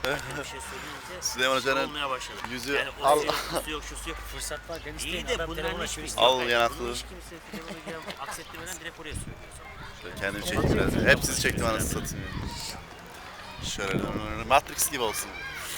Bir şey söyleyince Süleyman Hoca'nın olmaya başladı. yüzü Yani al. o yok, şusu yok, şusu yok. Fırsat varken İyi isteyin. de Adam bunların telefonu hiçbir açıyor. Al yanaklı. Bunu hiç kimse telefonu giren aksettirmeden direkt oraya söylüyor. Şöyle kendimi çekeyim biraz. Hep sizi çektim anasını satayım. Şöyle Matrix gibi olsun.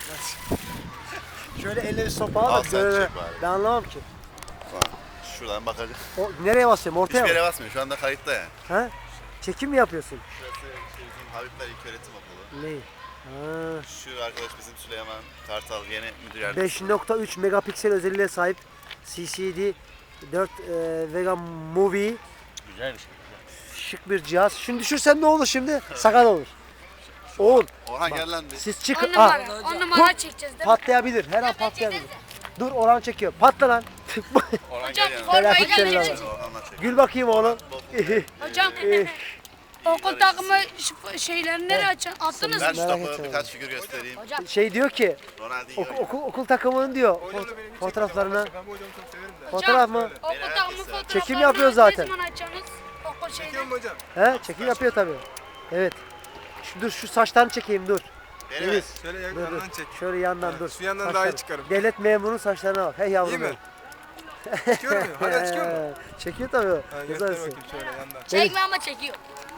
Şöyle elle bir sopa al Al da sen böyle. çek bari. Ben anlamam ki. Bak, şuradan bakacağım. O, nereye basıyorum? Ortaya Hiçbir mı? yere basmıyor. Şu anda kayıtta yani. Ha? Çekim mi yapıyorsun? Şurası bizim Habibler İlköğretim Okulu. Neyi? Ha. Şu arkadaş bizim Süleyman Kartal yeni müdür yardımcısı. 5.3 megapiksel özelliğe sahip CCD 4 Vega Movie. Güzel bir şey. Şık bir cihaz. Şimdi düşürsen ne olur şimdi? Sakat olur. Oğul Orhan gel lan bir. siz 10 çıkın. numara. 10 numara çekeceğiz değil mi? Patlayabilir. Her an patlayabilir. Dur Orhan çekiyor. Patla lan. Orhan Hocam gel yanıma. formayı Felaket şeyler gönderecek. var. Orhan'la çek. Gül bakayım oğlum. Hocam okul takımı şeyleri nereye açın? Attınız Ben mı? şu Merak topu etme. birkaç figür göstereyim. Hocam Şey diyor ki Ronaldinho. okul takımının diyor fotoğraflarına. Fotoğraf mı? okul takımı fotoğraflarını Çekim yapıyor zaten. Ne zaman açacaksınız? Okul şeyini. He çekim yapıyor tabii. Evet. Dur şu saçlarını çekeyim dur. Benim Deniz. Şöyle Dur, dur. yandan çek. Şöyle yandan dur. Şu yandan daha Saçları. iyi çıkarım. Devlet memurunun saçlarına bak. Hey yavrum. İyi mi? benim. Çıkıyor mu? Hala çıkıyor mu? Çekiyor tabii. Ha, göster Güzelsin. bakayım şöyle yandan. Çekme ama çekiyor.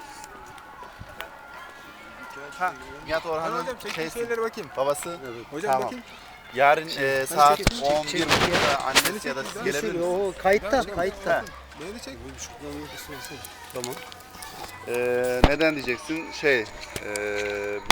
Ha, Nihat Hadi Orhan'ın hocam çektiğin şeysi, şeylere bakayım. babası. Hocam Tamam. bakayım. Yarın saat çek, çek, 11.30'da annesi ya da siz gelebilir misiniz? O kayıtta, kayıtta. Beni de çek. Tamam. Neden diyeceksin?